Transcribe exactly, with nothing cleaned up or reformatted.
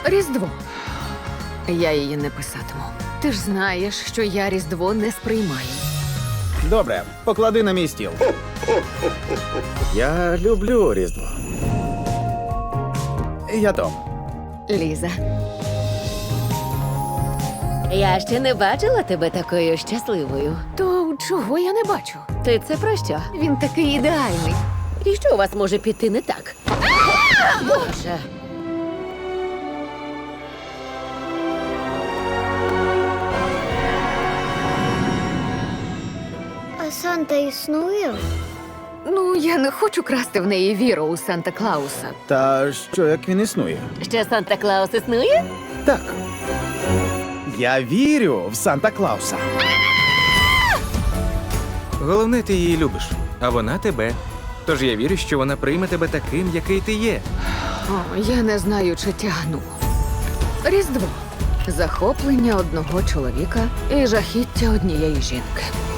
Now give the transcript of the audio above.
Різдво. Я її не писатиму. Ти ж знаєш, що я Різдво не сприймаю. Добре, поклади на мій стіл. Я люблю Різдво. Я Том. Ліза. Я ще не бачила тебе такою щасливою. То чого я не бачу? Ти це про що? Він такий ідеальний. І що у вас може піти не так? Боже. А Санта існує? Ну, я не хочу красти в неї віру у Санта-Клауса. Та що, як він існує? Ще Санта-Клаус існує? Так. Я вірю в Санта-Клауса. Головне, ти її любиш, а вона тебе. Тож я вірю, що вона прийме тебе таким, який ти є. О, я не знаю, чи тягну. Різдво. Захоплення одного чоловіка і жахіття однієї жінки.